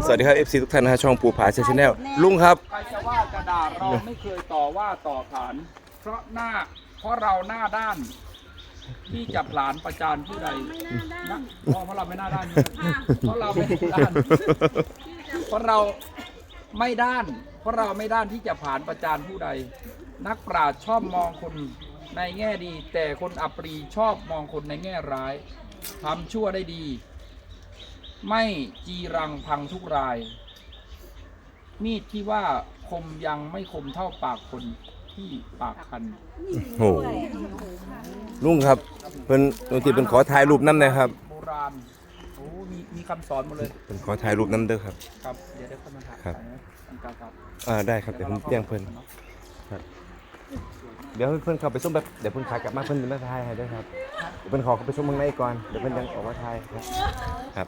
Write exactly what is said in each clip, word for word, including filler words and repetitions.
สวัสดีครับ เอฟ ซี ทุกท่านนะฮะช่องปูผาชาแนลลุงครับใครจะว่ากระดาษเราไม่เคยต่อว่าต่อขานเพราะหน้าเพราะเราหน้าด้านที่จับหลานประจานผู้ใดนะเพราะเราไม่หน้าด้านเพราะเราไม่ด้านเพราะเราไม่ด้านเพราะเราไม่ด้านที่จะผ่านประจานผู้ใดนักปราชญ์ชอบมองคนในแง่ดี แต่คนอัปรีชอบมองคนในแง่ร้ายทำชั่วได้ดีไม่จีรังพังทุกรายมีดที่ว่าคมยังไม่คมเท่าปากคนที่ปากคันโอ้ลุงครับเป็นบางทีเป็นขอถ่ายรูปน้ำนะครับโบราณโอ้มีมีคำสอนหมดเลยเป็นขอถ่ายรูปน้ำเด้อครับครับเดี๋ยวได้เข้ามาถ่ายครับอันกลางครับอ่าได้ครับเดี๋ยวผมแจ้งเพิ่นครับเดี๋ยวเพิ่นเข้าไปส้มแบบเดี๋ยวเพิ่นขากลับมาเพิ่นจะมาถ่ายให้ด้วยครับเดี๋ยวเพิ่นขอเข้าไปส้มเมืองในก่อนเดี๋ยวเพิ่นยังออกมาถ่ายครับครับ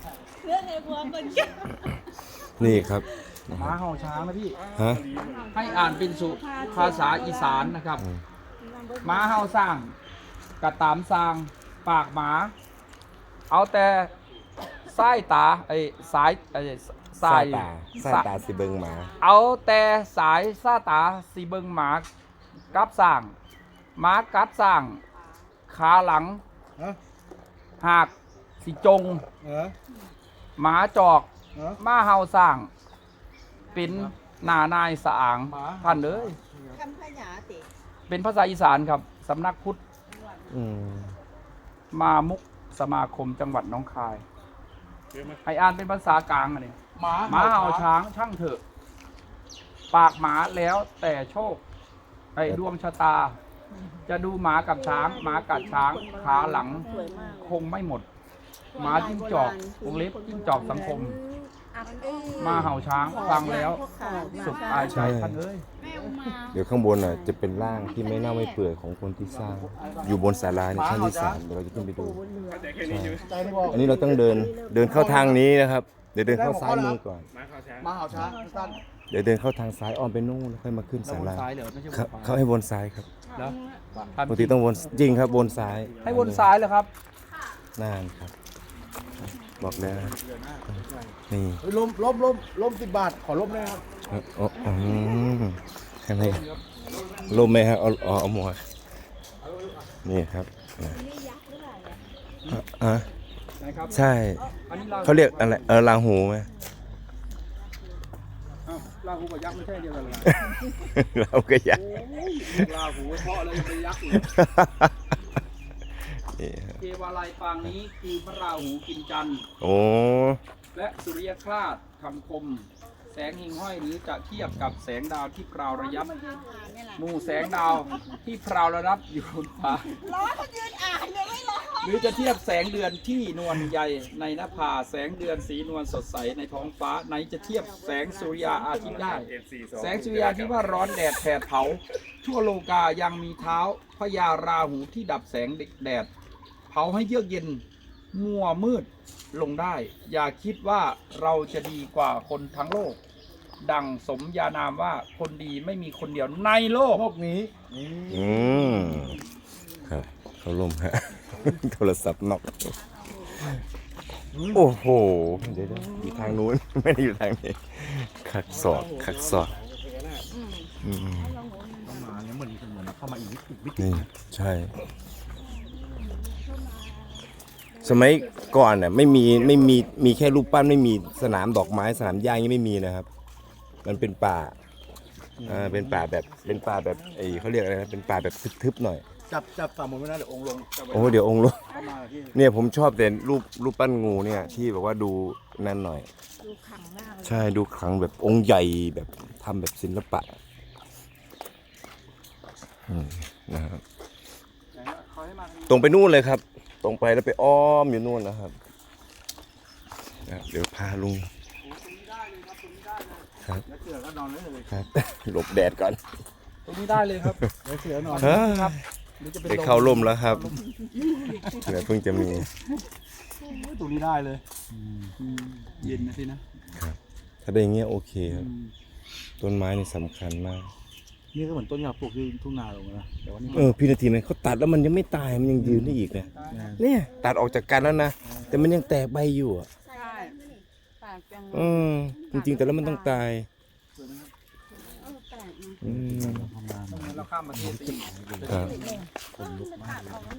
นี่ครับม้าเห่าช้างนะพี่ฮะให้อ่านเป็นสุภาษาอีสานนะครับม้าเห่าสร้างกระตามสร้างปากหมา เอาแต่สายตาไอ้สายไอ้สาสาย ยตาสายตาสิเบิงหมาเอาแต่สายซาตาสีเบิงหมากับสร้างหมากัดสร้างขาหลังฮะหากสิจงเออหมาจอกเออมาเฮาสร้างเป็นหนานายสะอางท่านเอ้ยคำพยาติเป็นภาษาอีสานครับสำนักพุทธอืมมามุกสมาคมจังหวัดหนองคายให้อ่านเป็นภาษากลางอันนี้หมาหมาเห่าช้างช่างเถอะ ปากหมาแล้วแต่โชคไอ้ดวงชะตา จะดูหมากับช้าง หมากัดช้างขาหลังสวยมากคงไม่หมด หมาจิ้งจอกวงเล็บจิ้งจอกสังคม มาเห่าช้างฟังแล้วสุขอายใจท่านเอ้ยเดี๋ยวข้างบนอ่ะจะเป็นร่างที่ไม่เน่าไม่เปื่อยของคนที่สร้าง อยู่บนศาลาในชั้นที่สามเดี๋ยวเราจะขึ้นไปดูใช่ใจที่บอกอันนี้เราต้องเดินเดินเข้าทางนี้นะครับ เดี๋ยวเดินเข้าซ้ายมือก่อนมาเห่าช้างสั้นเดี๋ยวเดินเข้าทางซ้ายอ้อมไปนู่นแล้วค่อยมาขึ้นเราศาวนลาซ้ายเหรอไม่ใช่วครับนขวาเขาให้วนซ้ายครับแล้วปกติต้องวนจริงครับวนซ้ายให้วนซ้ายเลยครับนานครับ บอกแล้วนะนี่เฮ้ยล้มล้มล้มล้มสิบบาท ขอล้มได้ครับอ๋ออ๋อข้างในลมไหมครับเอาเอาเอาหมวกนี่ครับนะอ่ะนะครับใช่อันนี้เขาเรียกอะไรเออลาหูไหมอ้าวลาหูกับยักษ์ไม่ใช่เดียวกันเลยเราก็อยากลาหูเพราะอะไรเป็นยักษ์อยู่นี่ครับเทวาลัยปางนี้คือพระราหูกินจันทร์โอ้และสุริยคราสคำคม แสงหิ่งห้อยหรือจะเทียบกับแสงดาวที่พราวระยับหมู่แสงดาวที่พราวระยับอยู่บนฟ้าร้อนคนยืนอ่านยังไม่ร้อนหรือจะเทียบแสงเดือนที่นวลใหญ่ในหน้าผาแสงเดือนสีนวลสดใสในท้องฟ้าไหนจะเทียบแสงสุริยาอาทิตย์ได้ แสงสุริยาที่ว่าร้อนแดดแผดเผา ทั่วโลกายังมีเท้าพญาราหูที่ดับแสงแดด เผาให้เยือกเย็นมัวมืดลงได้ อย่าคิดว่าเราจะดีกว่าคนทั้งโลก ดังสมญานามว่าคนดีไม่มีคนเดียวในโลกพวกนี้นี่อืมครับเขาลมฮะ โทรศัพท์นอกโอ้โหเดี๋ยวๆอยู่ทางนู้น ไม่ได้อยู่ทางนี้ขักศอกขักศอกอืมเข้ามาเนี่ยเหมือนเหมือนเข้ามาอีกวิกวิกนี่ใช่ สมัยก่อนน่ะไม่มีไม่มีมีแค่รูปปั้นไม่มีสนามดอกไม้สนามหญ้ายังไม่มีนะครับ มันเป็นป่าอ่าเป็นป่าแบบเป็นป่าแบบไอ้เขาเรียกอะไรนะเป็นป่าแบบทึบๆหน่อยจับจับฝ่ามือไม่ได้เดี๋ยวองค์ลงโอ้เดี๋ยวองค์ลงเข้ามาที่เนี่ยผมชอบแต่รูปรูปปั้นงูเนี่ยที่แบบว่าดูนั่นหน่อยดูขังมากเลยใช่ดูขลังแบบองค์ใหญ่แบบทำแบบศิลปะอืมนะครับตรงไปนู่นเลยครับ ตรงไปแล้วไปอ้อมอยู่นู่นนะครับนะครับเดี๋ยวพาลุงครับแล้วเสือก็นอนได้เลยครับ หลบแดดก่อนตรงนี้ได้เลยครับแล้วเสือนอนเฮ้ยครับหรือจะเป็นได้ลมเข้าร่มแล้วครับเดี๋ยวเพิ่งจะมีตรงนี้ได้เลยอืมเย็นนะสินะถ้าได้อย่างเงี้ยโอเคครับต้นไม้นี่สำคัญมากนี่ก็เหมือนต้นยาปลูกที่ทุ่งนาลงนะแต่ว่านี่เออพี่นาทีนั้นเขาตัดแล้วมันยังไม่ตายมันยังยืนได้อีกเนี่ยเนี่ยตัดออกจากกันแล้วนะแต่มันยังแตกใบอยู่อะใช่ลกจังเออจริงๆแต่แล้วมันต้องตายเออแปลกนะอืมทำงานเราข้ามประเทศไปอีกครับคนลุกมาก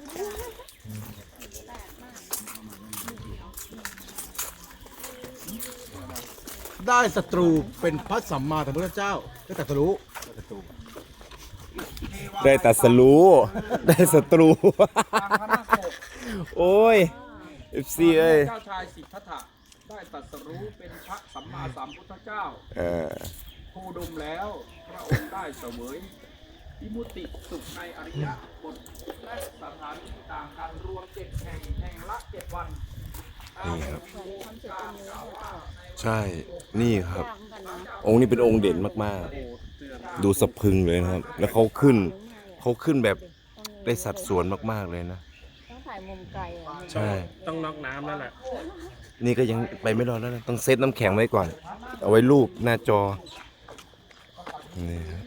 ได้ศัตรูเป็นพระสัมมาสัมพุทธเจ้าได้ตรัสรู้ศัตรูได้ตัดสรู้ได้ศัตรูทางพระนาคปกโอ้ยเอฟซีเอ้ยเจ้าชายสิทธัตถะได้ตรัสรู้เป็นพระสัมมาสัมพุทธเจ้าเออผู้ดมแล้วพระองค์ได้เสวยวิมุตติสุขในอริยบทและสถานที่ต่างกันรวมเจ็ดแห่งแห่งละเจ็ดวันนี่ครับทำเสร็จตรงนี้แล้วเปล่าใช่นี่ครับยากเหมือนกันนะองค์นี้เป็นองค์เด่นมากๆ ดูสะพรึงเลยนะครับ แล้วเขาขึ้นเขาขึ้นแบบได้สัดส่วนมากๆเลยนะต้องถ่ายมุมไกลอ่ะใช่ต้องน็อกน้ำแล้วแหละนี่ก็ยังไปไม่รอดแล้วนะต้องเซตน้ำแข็งไว้ก่อน เอาไว้รูปหน้าจอนี่ครับ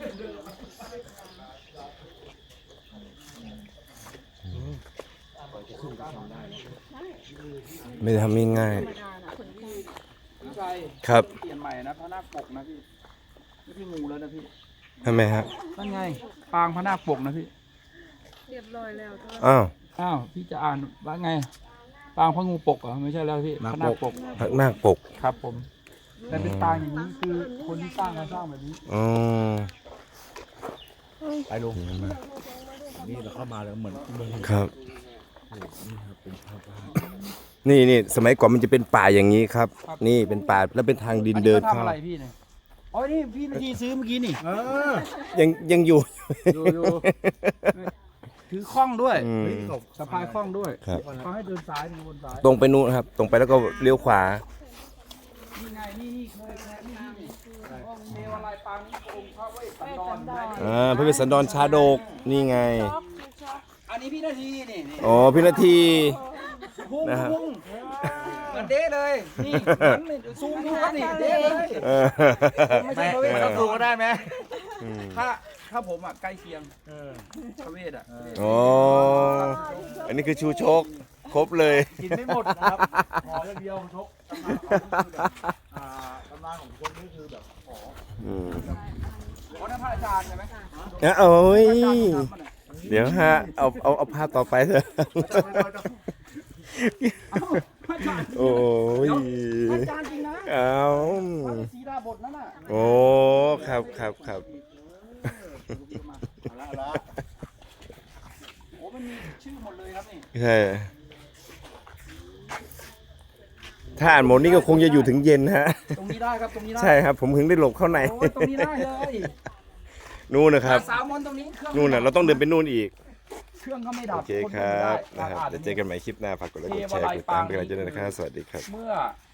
ไม่ได้ทำง่ายธรรมดานะคนที่พี่ชัยๆครับเปลี่ยนใหม่นะพระนาคปกนะพี่ไม่ใช่งูแล้วนะพี่ทำไมฮะนั่นไงปางพระนาคปกนะพี่เรียบร้อยแล้วอ้าวอ้าวพี่จะอ่านว่าไงปางพระงูปกเหรอไม่ใช่แล้วพี่พระนาคปกพระนาคปกครับผมแต่เป็นปางอย่างนี้คือคนที่สร้างเขาสร้างแบบนี้อ๋อไปลงนี่เราเข้ามาแล้วเหมือนเมืองครับ นี่นี่สมัยก่อนมันจะเป็นป่าอย่างนี้ครับ นี่เป็นป่าแล้วเป็นทางดินอันเดินี้นเขาทำเข้าอะไรพี่เนี่ยอ๋อนี่พี่นาทีซื้อเมื่อกี้นี่เออยังยังอยู่ดูดูถือข้องด้วยอืมสะพายข้องด้วยครับเขาให้เดินซ้ายเดินบนซ้ายตรงไปนู้นครับ ตรงไปแล้วก็เลี้ยวขวานี่ไงนี่นี่เคยเคยนี่นี่องค์เทวาลัยปางนี้องค์พระเวสสันดรนะอ่าพระเวสสันดรชาดก นี่ไงช็อกช็อกอันนี้พี่นาทีนี่นี่อ๋อพี่นาทีพุ่งนะครับพุ่งเหมือนเด้เลยนี่เหมือนนี่ซูมดูครับนี่เด้เลยเออไม่ใช่พระเวสสันดดูรก็ได้ไหมอืมถ้าถ้าผมอ่ะใกล้เคียงเออพระเวสอ่ะอ๋ออันนี้คือชูชก ครบเลยกินไม่หมดนะครับขออย่างเดียวชกตำนานของเขาคือแบบอ่าตำนานของคนนี้คือแบบขออืมโอ้นั่นพระอาจารย์ใช่ไหมอ่ะโอ้ยพระอาจารย์ทำมันอ่ะเดี๋ยวฮะ เอาเอาเอาภาพต่อไปเถอะเอ้าพระอาจารย์โอ้ยพระอาจารย์จริงนะเอาพระฤาษีดาบทนั่นน่ะโอ้ครับครับครับเอาละเอาละโอ้มันมีชื่อหมดเลยครับนี่ใช่ถ้าอ่านหมดนี่ก็คงจะอยู่ถึงเย็นฮะตรงนี้ได้ครับตรงนี้ได้ใช่ครับ ผมถึงได้หลบเข้าในโอ้ยตรงนี้ได้เลยนู่นนะครับสามมนตรงนี้เครื่องนู่นน่ะเราต้องเดินไปนู่นอีกเครื่องก็ไม่ดับโอเคครับนะครับเดี๋ยวเจอกันใหม่คลิปหน้าฝากกดไลค์กดแชร์กดติดตามเป็นกำลังใจด้วยนะครับ สวัสดีครับเมื่อ